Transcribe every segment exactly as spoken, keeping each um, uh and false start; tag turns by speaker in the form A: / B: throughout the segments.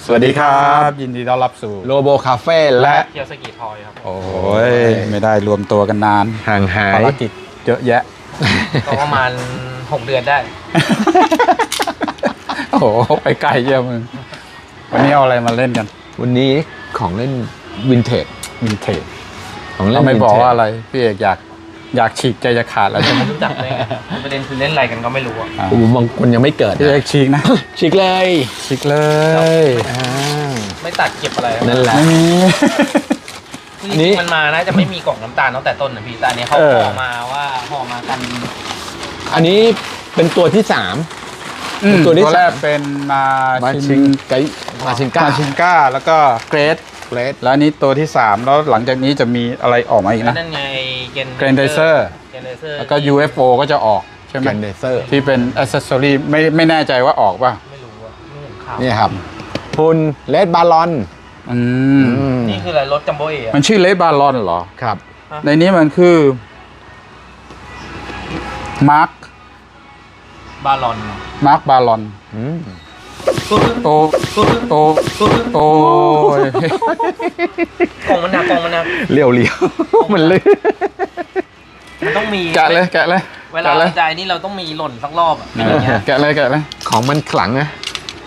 A: สวัสดีครับยินดีต้อนรับสู่
B: โลโบคาเฟ่และ
C: เคียวสกิทอยครับ
A: โอ้ยไม่ได้รวมตัวกันนาน
B: ห่างหาย
A: ภารกิจเยอะแยะ
C: ก็ประมาณหกเดือนได้
A: โอ้โหไปไกลเยอะมึงวันนี้เอาอะไรมาเล่นกัน
B: วันนี้ของเล่นวินเทจ
A: วินเทจ
B: ของเล่น
A: ไม่บอกว่าอะไรพี่เอกอยากอยากฉีกใจจะขาดแล้วใช่ไหม
C: รู้จักเลยประเด็นคือเล่นอะไรกันก็ไม่รู้อ่ะ
B: โอ้บางคนยังไม่เกิด
A: พี่เอกฉีกนะ
B: ฉีกเลย
A: ฉีกเลย
C: ไม่ตัดเก็บอะไร
B: นั่นแหละ
A: ไม่มี
C: นี่มันมานะจะไม่มีกล่องน้ำตาลตั้งแต่ต้นนะพี่แต่อันนี้เขาห่อมาว่าห่อมากัน
B: อันนี้เป็นตัวที่สาม
A: ตัวที่แรกเป็นมา
B: ชิงไกมาชิงก้า
A: มาชิงก้าแล้วก็เกรด
B: เกรด
A: แล้วนี้ตัวที่สามแล้วหลังจากนี้จะมีอะไรออกมาอีกนะ
C: นั่นไง
A: เกรนเดเซอร์แล้วก็ ยู เอฟ โอ ก็จะออกใช่ไหม
B: เกรนเดเซอร์
A: ที่เป็นอ c เซสซอรี่ไม่ไม่แน่ใจว่าออกป่ะ
C: ไม่รู้ว่าไม่เห็นข่าว
B: นี่ครับหุ่นเลดบาลอน
A: อืม
C: นี่คืออะไรรถจัมโบ้เอ๋
A: มันชื่อเลดบาลอนเหรอ
B: ครับ
A: ในนี้มันคือมาร์ค
C: บาลอน
A: มาร์คบาลอนโตโตโต
C: กองมันหนักกองมันหนัก
B: เลี้ยวเลี้ยวมันเลย
C: มันต้องมี
A: แกะเลยแกะเลย
C: เวลาใจนี่เราต้องมีหล่นสักรอบอ่ะ
A: แกะเลยแกะเลย
B: ของมันขลังนะ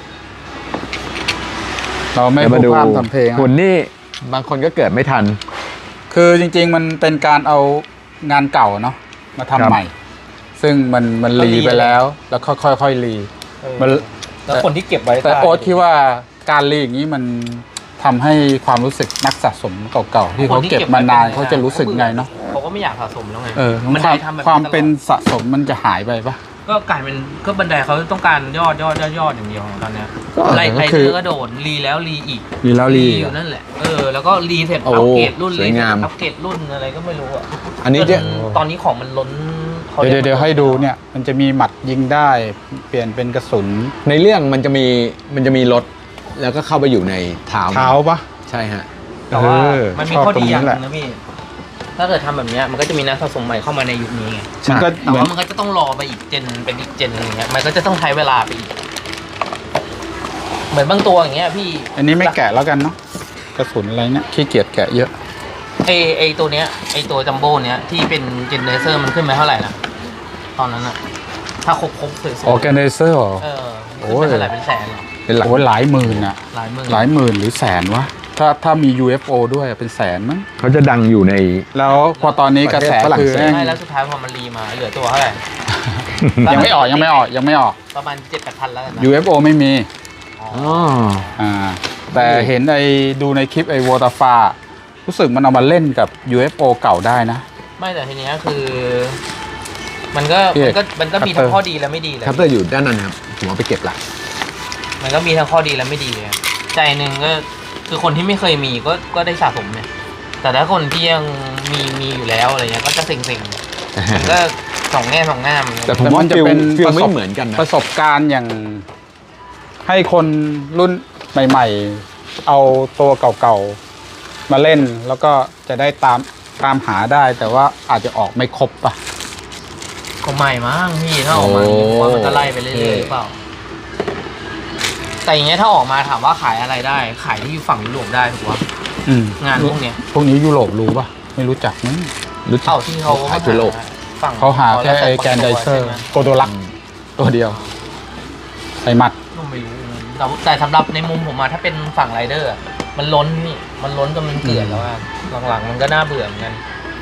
A: เราไม่มาดูทำเพลง
B: หุ่นนี่บางคนก็เกิดไม่ทัน
A: คือจริงๆมันเป็นการเอางานเก่าเนาะมาทำใหม่ซึ่งมันมันรีไปแล้วแล้วค่อยๆรี
C: มันแล้วคนที่เก็บไว้
A: แต่โอ๊ตคิดว่าการรีอย่างนี้มันทำให้ความรู้สึกนักสะสมเก่าๆที่เขาเก็บมานานเขาจะรู้สึกไงเนาะ
C: เขาก็ไม่อยากสะสมแล้วไง
A: เออมันความเป็นสะสมมันจะหายไปปะ
C: ก็กลายเป็นก็บันไดเขาต้องการยอดยอดยอดยอดอย่างเดียวตอนนี้ไล่ไล่เธอก็โดดรีแล้วรีอีก
A: รีแล้วรี
C: อยู่นั่นแหละเออแล้วก็รีเสร็จอัปเกรดรุ่นรีอัปเกรดรุ่นอะไรก็ไม่รู้อ่ะ
B: อันนี้
C: ตอนนี้ของมันล้น
A: เดี๋ยวเดี๋ยวให้ดูเนี่ยมันจะมีหมัดยิงได้เปลี่ยนเป็นกระสุน
B: ในเรื่องมันจะมีมันจะมีรถแล้วก็เข้าไปอยู่ในเท้า
A: เท้าปะ
B: ใช่ฮะ
C: แต่ว่ามันมีข้อดีอย่างนึงนะพี่ถ้าเกิดทำแบบนี้มันก็จะมีนักสะสมใหม่เข้ามาในยุคนี้ไงแต่ว่ามันก็จะต้องรอไปอีกเจนเป็นอีกเจนอย่างเงี้ยมันก็จะต้องใช้เวลาไปอีกเหมือนบางตัวอย่างเงี้ยพี่
A: อันนี้ไม่แกะแล้วกันเนาะกระสุนอะไรเนี่ยขี้เกียจแกะเยอะ
C: ไอไอตัวเนี้ยไอตัวจัมโบ้เนี้ยที่เป็นเจนเนเซอร์มันขึ้นไปเท่าไหร่นะตอนนั้นอะถ้าครบครบสวยๆ
A: ออร์แกไนเซอร์เหรอ
C: เออขึ้นไปเท่าไหร่เป็นแสนหรอ
A: เป็นหลายหลายหมื่นอะ
C: หลายหมื่น
A: หลายหมื่นหรือแสนวะถ้าถ้ามี ยู เอฟ โอ ด้วยเป็นแสนมั้ง
B: เขาจะดังอยู่ใน
A: แล้วพอตอนนี้กระแสคือ
C: ใช่แล้วสุดท้ายพอมันรีมาเหลือตัวเท่าไหร่
A: ยังไม่ออกยังไม่ออกยังไม่ออก
C: ประมาณเจ็ดแปดพันแล้วกัน
A: ยู เอฟ โอ ไม่มีอ๋ออ่าแต่เห็นไอ้ดูในคลิปไอ้วอเตอร์ฟารู้สึกมันเอามาเล่นกับ ยู เอฟ โอ เก่าได้นะ
C: ไม่แต่ทีนี้คือมันก็มันก็มันก็มีทั้งข้อดีและไม่ดีเลย
B: คัตเตอร์อยู่ด้านนั้นครับผมเอาไปเก็บละ
C: มันก็มีทั้งข้อดีและไม่ดีเลยใจหนึ่งก็คือคนที่ไม่เคยมีก็ก็ได้สะสมเนี่ยแต่ถ้าคนที่ยังมีมีอยู่แล้วอะไรเงี้ยก็จะเซ็งๆมันก็สองแง่สองงาม
B: แต่ผมว่าจะเป็นไม่เหมือนกันนะ
A: ประสบการณ์อย่างให้คนรุ่นใหม่ๆเอาตัวเก่าๆมาเล่นแล้วก็จะได้ตามตามหาได้แต่ว่าอาจจะออกไม่ครบป่ะ
C: ก็ใหม่มั้งพี่ถ้าออกมาว่ามันจะไล่ไปเรื่อยๆหรือเปล่าแต่อย่างเงี้ยถ้าออกมาถามว่าขายอะไรได้ขายที่อยู่ฝั่งยุโรปได้ถูกป่ะงานพวกเนี้ย
A: พวกนี้ยุโรปรู้ป่ะไม่รู้จักมั้ง
C: รู้จักที่เขา
B: ขายยุโรป
C: ฝั่ง
A: เขาหาแค่ไอ้แกนไดเซอร์โกโดลักตัวเดียวใส่หมัด
C: ไม่รู้แต่สำหรับในมุมผมมาถ้าเป็นฝั่งไรเดอร์มันล้นนี่มันล้นจนมันเกลื่อนแล้วอ่ะหลังๆมันก็น่าเบื่อเหมือนกัน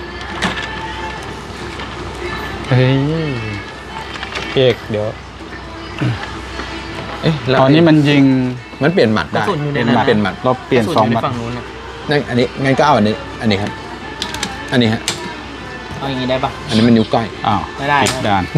A: เฮ้ยเอกเดี๋ยว
B: เอ๊ะ
A: ตอนนี้มันยิง
B: มันเปลี่ยนหมัดได้
A: มันเปลี่ยนหมัดเราเปลี่ยนสองหมัด
C: ฝั่งนู้น
B: นั่นอันนี้งั้นก็เอาอันนี้อันนี้ครับอันนี้ฮะ
C: เอาอย่างนี้ได้ปะ
B: อันนี้มันนิ้วก้อย
A: อ้าว
C: ไม่ได้
A: ด่าน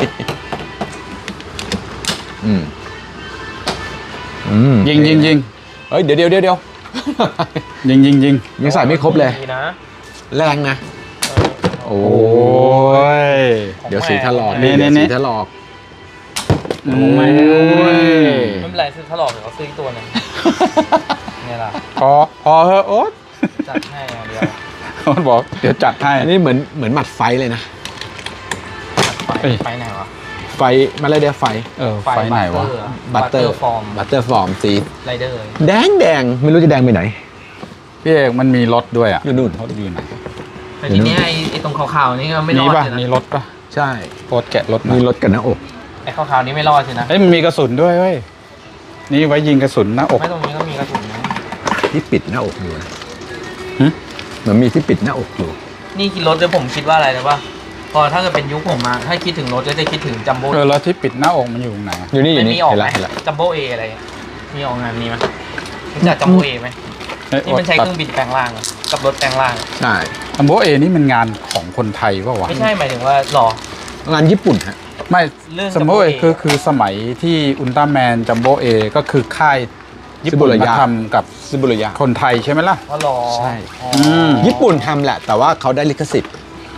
B: อืมอืม
A: ยิงยิงยิง
B: เฮ้ยเดี๋ยวเดี๋ยวเดี๋ยว
A: ยิงยิงยิง
B: ยังใส่ไม่ครบเลยแรงนะโอ้ยเดี๋ยวสีถลอก
A: นี่นี่
B: สีถลอก
A: โอ้ยไม่
C: เป็นไรซื้อถลอกเดี๋ยวเขาซื้อตัวนึงไงล่ะ
A: พอพอเฮ้โอ๊ต
C: จัดให้เดียว
A: โอ๊ตบอกเดี๋ยวจัดให้
B: อันนี้เหมือนเหมือนหมัดไฟเลยนะ
C: ไฟไหนวะ
B: ไฟมาเลยเดียวไฟ
A: เออ ไฟไหนวะ
C: บัตเตอร์ฟอร์ม
B: บัตเตอร์ฟอร์มสี
C: ไรเดอร์
B: แดงแดงไม่รู้จะแดงไปไหน
A: พี่เอกมันมีรถด้วยอ่ะ
B: อยู่นู่น
A: รถอยู่ไหน
C: แต่ทีเนี้ยไอ้ไอ้ตรงขาวๆนี่ก็ไม่ร
A: มี
C: อด
A: ป่ะ
C: เลย
A: มี
C: นะ
A: รถป่ะ
B: ใช่
A: โคตรแกะรถหน่อ
B: มี
A: ย
B: รถกันหน้าอก
C: ไอ้ขาวๆนี่ไม่รอดสินะ
A: เอ้ยมันมีกระสุนด้วยเว้ย นี่ไว้ยิงกระสุนหน้าอก
C: ไม่ตรงนี้ก็มีกระสุนนะ
B: ที่ปิดหน้าอกอยู่นะ
A: หึ
B: เหมือนมีที่ปิดหน้าอกอยู่
C: นี่คิดรถเลยผมคิดว่าอะไรนะว่าพอถ้าเกิดเป็นยุคผมมาถ้าคิดถึงรถก็จะคิดถึงจัมโบ้
A: เออแล้วที่ปิดหน้าอกมันอยู่ตรงไหนอะ
B: อยู่นี่อยู่
C: ไม่
B: นี่
C: มีออก
B: เห็น
C: ไหม
B: ละเห็นละ
C: จัมโบ้เออะไรอะมีออกงานนี้ไหมรู้จักจัมโบ้เอไหม
A: เอ้ย
C: ที่มันใช้เครื่องบินแปลงร่างอะกับรถแปลงร่างอะ
B: ใช่
A: อัมโบเอนี่มันงานของคนไทยป่าวะ
C: ไม่ใช่หมายถึงว่าหรอ
B: งานญี่ปุ่นฮะ
A: ไม่
C: เรื่อง
A: สมมติ
C: Jumbo A
A: คือคือสมัยที่อุลตร้าแมนจัมโบเอก็คือค่ายญี่ปุ่นมาทำกับ
B: ซิบุระยะ
A: คนไทยใช่ไหมล่ะ
C: ว่าหรอ
B: ใช่
C: อ๋อ
A: ม
B: ญี่ปุ่นทำแหละ แต่ว่าเขาได้ลิขสิทธิ์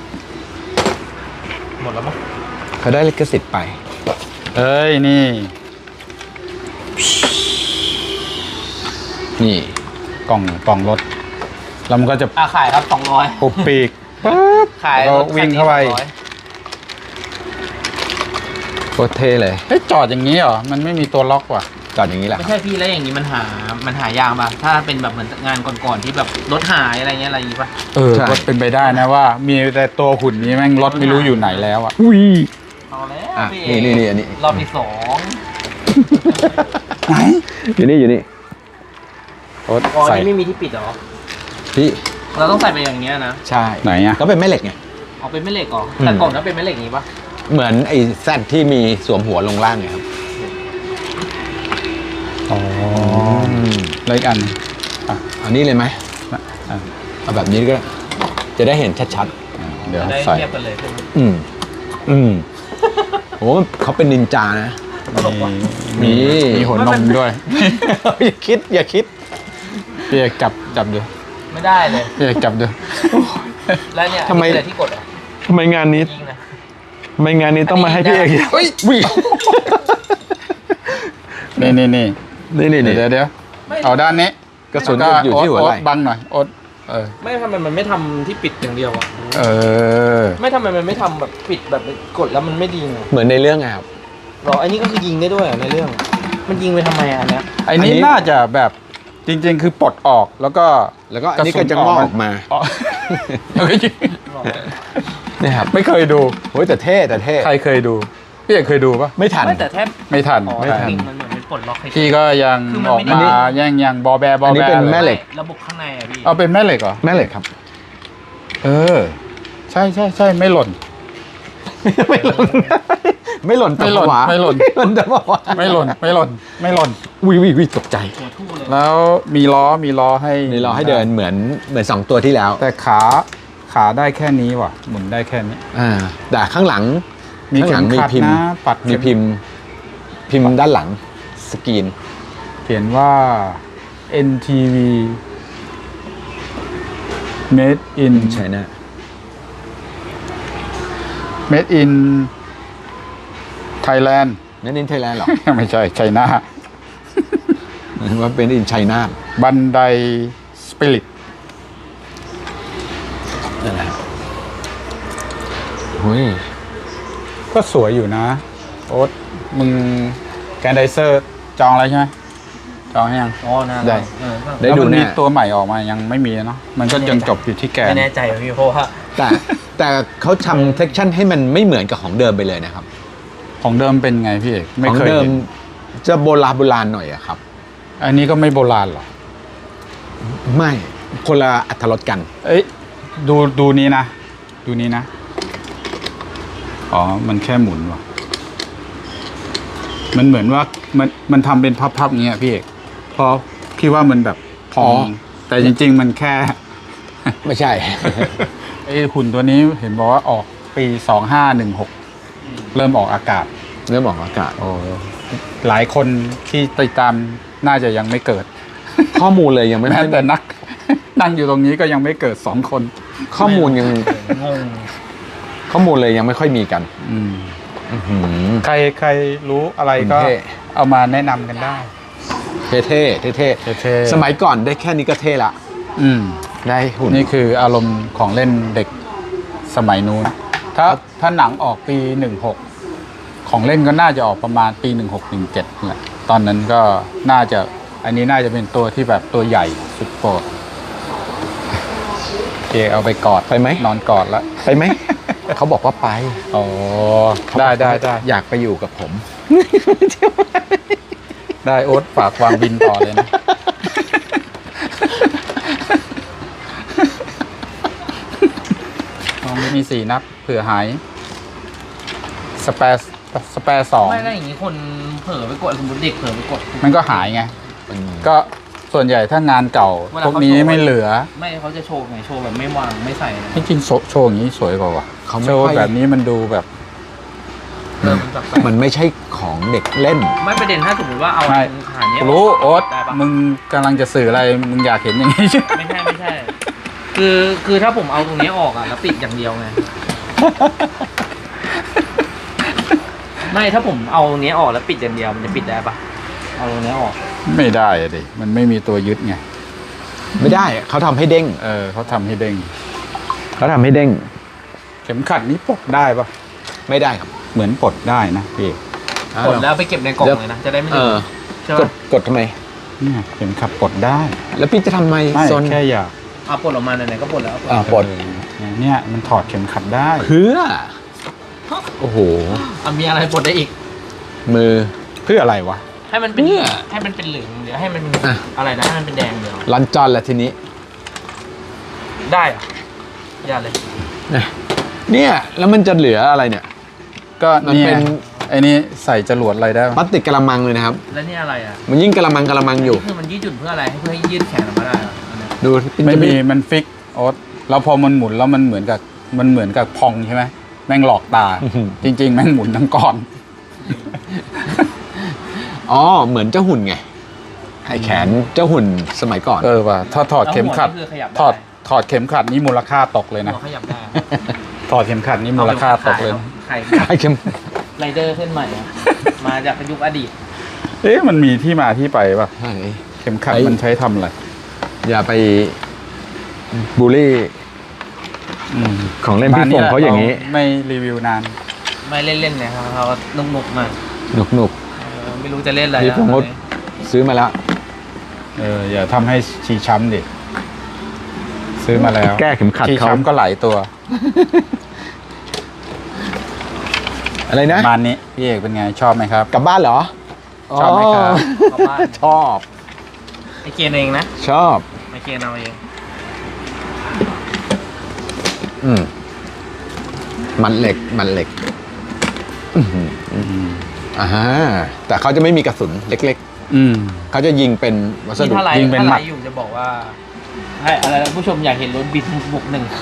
C: หมดแล้วมั้ง
B: เขาได้ลิขสิทธิ์ไป
A: เอ้ยนี่
B: นี่
A: กล่องกล่องรถ แล้วมันก็จะ
C: อ่ะขายครับสองร้อย
A: ปุบปีกปั๊บ
C: ขาย
A: แล้วก็วิ่งเข้าไป
C: สองร้อย
B: โคตรเท่เลย
A: เฮ้ยจอดอย่างนี้เหรอ มันไม่มีตัวล็อกว่ะ
B: จอดอย่างนี้แหละ
C: ไม่ใช่พี่แล้วอย่างนี้มันหา มันหายากป่ะถ้าเป็นแบบเหมือนงานก่อนๆที่แบบรถหายอะไรเงี้ยอะไรอย่างงี้ป่ะ
A: เออก็เป็นไปได้นะว่า มีแต่ตัวหุ่นนี้แม่งรถไม่รู้อยู่ไหนแล้วอ่ะ
B: อุ้ย
C: เอาแล้ว
B: อ่ะ
C: พี่
B: นี่นี่นี่อันนี้
C: รอบที่สอง
A: ไหน
B: อยู่นี่อยู่นี่
A: โอ๊ต
C: อ๋อ
A: ใส่
C: นี่ไม่มีที่ปิดเหรอ
B: พี่
C: เราต้องใส่ไปอย่างเงี้ยนะ
B: ใช่
A: ไหนอ่ะ
B: ก็เป็นแม่เหล็กไง
C: เอาเป็นแม่เหล็กเหรอ
B: อืม
C: แต่ก่อนก็เป็นแม่เหล็กอย่างงี้ป่ะ
B: เหมือนไอ้แซดที่มีสวมหัวลงล่างไงครับ
A: อ๋อแล้วอีกอันอ่ะ
B: อันนี้เลยไหม
A: อ่ะ
B: เอาแบบนี้ก็ได้จะได้เห็นชัด
A: เดี๋ยว
C: จะได้
A: ใส่
C: เทียบกันเลยใช่ไหม
B: ๆ อืม อืมโอ้เขาเป็นนินจานะ
A: มี
B: มี
A: มีหัวนมด้วย
B: อย่าคิด อย่าคิด
A: พี่เอกจับจับดู
C: ไม่ได้เลย
A: พี่เอกจับดู
C: แล้วเนี่ย
B: ทำไม
C: อันนี้คืออะไรที่กดเหรอ
B: ทำไมงานนี้
C: ยิงนะ
B: ทำไมงานนี้ต้องมาให้พี่เอก
A: เฮ้ยวินี่นี่นี่
B: นี่นี่นี่
A: เดี๋ยวเดี๋ยว
C: ไม่
A: เอาด้านนี้
B: กระสุนอยู่ที่หัวไหล่
A: โอ๊ตบังหน่อยโอ๊ตเออ
C: ไม่ทำไมมันไม่ทำที่ปิดอย่างเดียวอ่ะ
A: เออ
C: ไม่ทำไมมันไม่ทำแบบปิดแบบกดแล้วมันไม่ดีอ่ะ
B: เหมือนในเรื่องไงครับ
C: หรออันนี้ก็คือยิงได้ด้วยเหรอในเรื่อง มันยิงไปทำไมอ่ะอันเนี้ย
A: ไอ้นี้
B: อันนี้
A: น่าจะแบบจริง ๆ คือปลดออกแล้วก็
B: แล้วก็อันนี้ก็จะงอกออกมา
A: อ๋อเฮ้ย
C: หรอ
B: เนี่ยครับ
A: ไม่เคยดู
B: โอ้ยแต่เท่แต่เท่
A: ใครเคยดู พี่เอกเคยดูปะ
B: ไม่ทัน
C: ไม่แต่แทบ
A: ไม่ทัน
C: อ๋อ
B: ไม่ทัน
C: จริงๆมันเหมือนเป็นปลดล็อกให้
A: พี่ก็ยัง
C: คือมัน
A: ออก
C: ไม่ได้
A: มาแย่งยังบอแบ บอ
B: อันนี้
A: แบ
B: เป็น
A: เลย
B: แม่เหล็ก
C: ระบบข้างในอ่ะพี่
A: เอาเป็นแม่เหล็กเหรอ
B: แม่เหล็กครับ
A: เออ ใช่ใช่ใช่ไม่หล่น
B: ไม่หล่น ไม่หล่น
A: ไม่หล่น
B: ตะวะ
A: ไม่หล่น
B: หล่นแต่ว่า
A: ไม่หล่นไม่หล่นไม่หล่น
B: วิวิวิตกใจ
C: หัวทู่เลย
A: แล้วมีล้อมีล้อให้
B: นี่เราให้เดินเหมือนเหมือนสองตัวที่แล้ว
A: แต่ขาขาได้แค่นี้ว่ะ หมุนได้แค่นี้
B: อ่าแต่ข้างหลัง
A: มี
B: ข้างห
A: เข็
B: ลั
A: ม
B: งมี
A: ขัด
B: พิมพ์
A: นะปัด
B: มีพิมพ์ พิมพ์ด้านหลังสกรีน
A: เขียนว่า เอ็น ที วี made in
B: ใช่นะ
A: made in Thailand
B: นั่นอินไทยแลนด์หรอ
A: ไม่ใช่ไชน่า
B: ว่าเป็นอินไชน่า
A: บันไดสปิริต
B: นั่นแหละเฮ้ย
A: ก็สวยอยู่นะ โอ๊ตมึงแกนไดเซอร์จองอะไรใช่ไหมจองให้ยัง
C: อ๋อน่า
A: ได้
C: เออ
B: ได้
A: แล้ว
B: ดู
A: มันมี
B: แน่
A: ตัวใหม่ออกมายังไม่มีเนาะมันก็ยังจบอยู่ที่แกน
C: ไม่แน่ใจว่ะพี่เพราะว่า
B: แต่แต่เขาทำเทคชั่นให้มันไม่เหมือนกับของเดิมไปเลยนะครับ
A: ของเดิมเป็นไงพี่เอกไม่
B: ของ
A: เคย
B: เดิม
A: เห็น
B: จะโบราณโบราณหน่อยอะครับ
A: อันนี้ก็ไม่โบราณหรอ
B: ไม่คนละอัตรสกัน
A: เอ้ยดูดูนี้นะ ดูนี้นะ อ๋อ มันแค่หมุนว่ะ มันเหมือนว่ามันมันทำเป็นพับๆอย่างเงี้ยพี่เอกเพราะพี่ว่ามันแบบพอ
B: อ๋
A: ง
B: อ
A: แต่จริง ๆ มันแค่
B: ไม่ใช่
A: ไอ้หุ่นตัวนี้เห็นบอกว่าออกปีสองห้าหนึ่งหกเริ่มออกอากาศ
B: เรื่องบอกอากาศ
A: โอ้หลายคนที่ติดตามน่าจะยังไม่เกิด
B: ข้อมูลเลยยังไม่
A: แม้
B: ค่อย
A: แต่นัก นั่งอยู่ตรงนี้ก็ยังไม่เกิดสองคน
B: ข้อมูลยัง
C: งง
B: ข้อมูลเลยยังไม่ค่อยมีกัน
A: อืม
B: อื้อหือ
A: ใครใครรู้อะไรก็
B: เท่
A: เอามาแนะนำกันได้
B: เท่เท่เท่เท่
A: เท่ๆ
B: สมัยก่อนได้แค่นี้ก็เท่ละ
A: อืม
B: ได้หุ่น
A: นี่คืออารมณ์ของเล่นเด็กสมัยนู้น ถ้าถ้าหนังออกปีหนึ่งหกของเล่นก็น่าจะออกประมาณปีหนึ่งหกหนึ่งเจ็ดแหละตอนนั้นก็น่าจะอันนี้น่าจะเป็นตัวที่แบบตัวใหญ่สุดโปรดโอเคเอาไปกอด
B: ไปไหม
A: นอนกอดแล้ว
B: ไปไหม เขาบอกว่าไป
A: โอ้ได้ได้ได้
B: อยากไปอยู่กับผม
A: ได้โอ๊ตฝากวางบินต่อเลยนะ ลองมีสี่นับเผื่อหาย สเปซสเปซสอง
C: ไม่ได้อย่างนี้คนเผลอไปกดสมมติเด็กเผลอไปกด
A: มันก็หายไง ก็ส่วนใหญ่ถ้างานเก่า
C: เวลา
A: พวก
C: เขา
A: นี้
C: โชว์
A: ไม่เหลือ
C: ไม่เขาจะโชว์ไงโชว์แบบไม่วางไม่ใส่นะ
A: จริงๆโชว์โชว์อย่างนี้สวยกว่าว่ะ
B: เขาไม่
A: โชว์
B: ค่อย
A: แบบนี้มันดูแบบ
C: เออมันแบบ
B: มันไม่ใช่ของเด็กเล่น
C: ไม่ประเด็นถ้าสมมติว่าเอา
A: ไม่
C: หาเนี้ย
A: รู้โอ๊ต
C: ได้ปะ
A: มึงกำลังจะสื่ออะไร มึงอยากเห็นอย่างนี้ใช่ไหม
C: ไม่ใช่ไม่ใช่ คือคือถ้าผมเอาตรงนี้ออกอ่ะแล้วปิดอย่างเดียวไง ไม่ถ้าผมเอาเนี้ยออกแล้วปิดอย่างเดียวมันจะปิดได้ปะเอาตรงเนี้ยออก
A: ไม่ได้อะดิ มันไม่มีตัวยึดไง
B: ไม่ได้เขาทำให้เด้ง
A: เออเขาทำให้เด้ง
B: เขาทำให้เด้ง
A: เข็มขัดนี้ปลดได้ปะ
B: ไม่ได้ครับ
A: เหมือนปลดได้นะพี่
C: กดแล้วไปเก็บในกล่องเลยนะจะได้ไม่
B: เอ
C: ลื
B: อ
C: มใช่
B: ก
C: ปะ
B: ดกดทำไม
A: เนี่ยเข็มขัดปลดได้
B: แล้วพี่จะทำไม
A: ไม่
B: ซน
A: แค่อยาก
C: เอาปลดออกมาไหนๆก็ปลดแล้ว
B: อ่าปลด
A: เออเนี่ยมันถอดเข็มขัดได้
B: เพื่อ โอ้โห
C: อ่ะมีอะไรปลดได้อีก
B: มือ
A: เพื่ออะไรวะ
C: ให้มันเป็น
B: เนี่ย
C: ให้มันเป็นเหลืองเดี๋ยวให้มัน
B: อ่ะ
C: อะไรนะให้มันเป็นแดงเดียว
B: ลันจอนแล้วทีนี้
C: ได้เหรอะอย่าเลย
B: เนี่ย แล้วมันจะเหลืออะไรเนี่ย
A: ก็
B: มัน
A: เนี่ย
B: เป็น
A: ไอ้นี่ใส่จรวดอะไรได้
B: พลาสติกกระมังเลยนะครับ
C: แล้วนี่อะไรอ่ะ
B: มันยิ่งกระมังกระมังอยู่
C: คือมันยืดหยุ่นเพื่ออะไรให้เพื่อให้ยืดแขนออกมาได้เหรออันเนี้ย
B: ดู
A: ไม่มีมันฟิกโอ๊ตแล้วพอมันหมุนแล้วมันเหมือนกับมันเหมือนกับพองใช่ไหมแม่งหลอกตา จริง ๆ แม่งหมุนทั้งก้อน
B: อ๋อ เหมือนเจ้าหุ่นไง ไอแขนเจ้าหุ่นสมัยก่อน
A: เออว่ะถ้าถอดเข็มขัด
C: แล้วหัวนี่คือขยับได้
A: ถอดถอดเข็มขัดนี่มูลค่าตกเลยนะ
C: หัวขยับได้
A: ถอดเข็มขัดนี่มูลค่าตกเลยนะ
C: ไข่
B: ไอเข็ม
C: ไรเดอร์เส้นใหม่อะมาจากยุคอดีต
A: เอ๊ะมันมีที่มาที่ไปป่ะ
B: ใช่
A: เข็มขัด
B: ไอ้
A: มันใช้ทำอะไร
B: อย่าไปบูลลี่
A: อืม
B: ของเล่นพี่
A: ม
B: ฟงเขาอย่างนี้
A: นี้ไม่รีวิวนาน
C: ไม่เล่นๆเนี่ยครับเขานุกนุกๆมา
B: หนุกหนุก
C: เออไม่รู้จะเล่นอะไร
B: พี่
C: แล้ว
B: พงศ์
C: ตอนนี้
B: ซื้อมาแล้ว
A: เอออย่าทำให้ชีช้ำดิ ซื้อมาแล้ว
B: แก้เข็มขัด
A: ชี
B: เขา
A: ช้ำก็หลายตัว
B: อะไรนะ
A: ประมาณนี้พี่เอกเป็นไงชอบไหมครับ
B: กลับบ้านเหรอ
A: ชอบไหมครับ
C: กลับบ้าน
B: ชอบ
C: ไอเกณฑ์เองนะ
B: ชอบ
C: ไอเกณฑ์เอาเอง
B: อืมมันเหล็ก มันเหล็ก อื้อหือ
A: อืม
B: อ่าฮะแต่เขาจะไม่มีกระสุนเล็ก
A: อืม
B: ๆ เขาจะยิงเป็นวัส
C: ที่
B: ดุ
C: ถ้าไล
A: ยิง
C: ฟ์
A: เป็น
C: ถ้า
A: หมั
C: ไล
A: ด
C: ฟ์อยู่จะบอกว่าให้อะไรนะผู้ชมอยากเห็นรถบินบวกหนึ่ง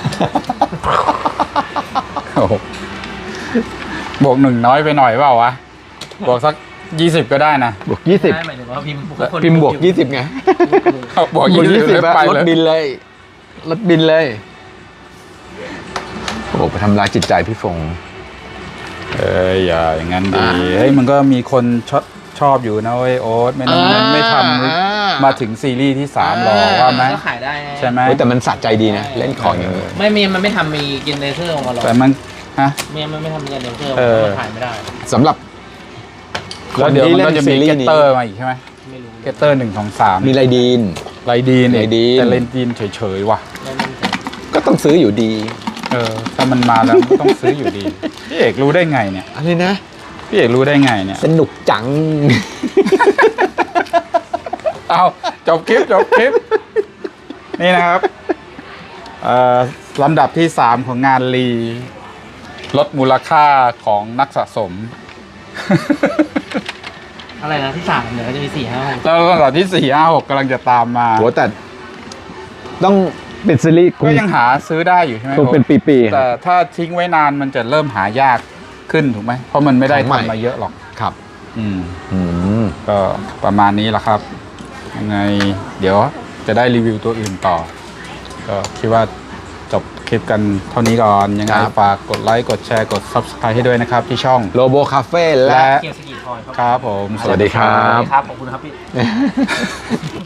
A: โอ้โหบวกหนึ่งน้อยไปหน่อยเปล่าวะ บวกสักยี่สิบก็ได้นะ
B: บวกยี่สิบ
C: ได้หมายถึงว่าพิมพ์คน
B: พิมพ์บวกยี่สิบไง
A: บวกยี่สิบแล้วไป
B: รถ
A: เลย
B: บินเลย รถบินเลย โอ้ไปทำร้ายจิตใจพี่ฟง
A: เอ้ยอย่าอย่างนั้นดี
B: อ่า
A: เฮ้ยมันก็มีคนชอบชอบอยู่นะเว้ยโอ๊ตไม่นั้น
B: อ่า
A: ไม่ท
B: อ่า
A: ำมาถึงซีรีส์ที่สามหรอกว่าไหม
C: ก็ขายได้ไง
A: ใช่ไหม
B: เฮ้ยแต่มันสะใจดีนะ เล่นของอย่างนี้
C: ไม่มีมันไม่ทำมีกินเนเธอร์ออกมาหรอก
A: แต่มันฮะ
C: เมียมันไม่ทำมีกินเนเธอร์
A: เออ
C: มันขายไม่ได้
B: สำหรับค
A: แล้ว
B: น
A: เดี๋ยว
B: ที่
A: มัน
B: เล่
A: ก็
B: น
A: จะ
B: ซี
A: มี
B: รี
A: เก
B: ส์
A: ต
B: นี้
A: เตอร์มาอีกใช่ไหม
C: ไม่รู้
A: เกตเตอร์หนึ่งสองสาม
B: มีไรดีน
A: ไรดีน
B: ไรดีน
A: แต่ไรดีนเฉยๆว่ะ
C: ไม่มั่นใจ
B: ก็ต้องซื้ออยู่ดี
A: เออถ้ามันมาแล้วมันต้องซื้ออยู่ดี พี่เอกรู้ได้ไงเนี่ย
B: อะไรนะ
A: พี่เอกรู้ได้ไงเนี่ย
B: สนุกจัง
A: เอาจบคลิปจบคลิป นี่นะครับเอ่อลำดับที่สามของงานรีลดมูลค่าของนักสะสม
C: อะไรนะที่สามเดี๋ยวก็จะมีสี่ห้าหก
A: แล้วลำดับที่สี่ห้าหกกำลังจะตามมา
B: โหแต่ต้องเป็นซีรีส์
A: ก็ยังหาซื้อได้อยู่ใช่ไหม
B: คงเป็นปีๆ
A: แต่ถ้าทิ้งไว้นานมันจะเริ่มหายากขึ้นถูกไหมเพราะมันไม่ได้
B: ของใหม่
A: ทำมาเยอะหรอก
B: ครับ
A: อืม
B: อืม
A: ก็ประมาณนี้แหละครับ ยังไง เดี๋ยวจะได้รีวิวตัวอื่นต่อ ก็คิดว่าจบคลิปกันเท่านี้ก่อน ยังไง
B: ครับ
A: ฝากกดไลค์ กดแชร์ กด ซับสไครบ์ ให้ด้วยนะครับที่ช่อง
B: โลโบคาเฟ่และ
A: และ
C: เกียร์สกีทอยครับ
A: ครับผม
B: สวัสดีครับ
C: ครับขอบคุณครับพี่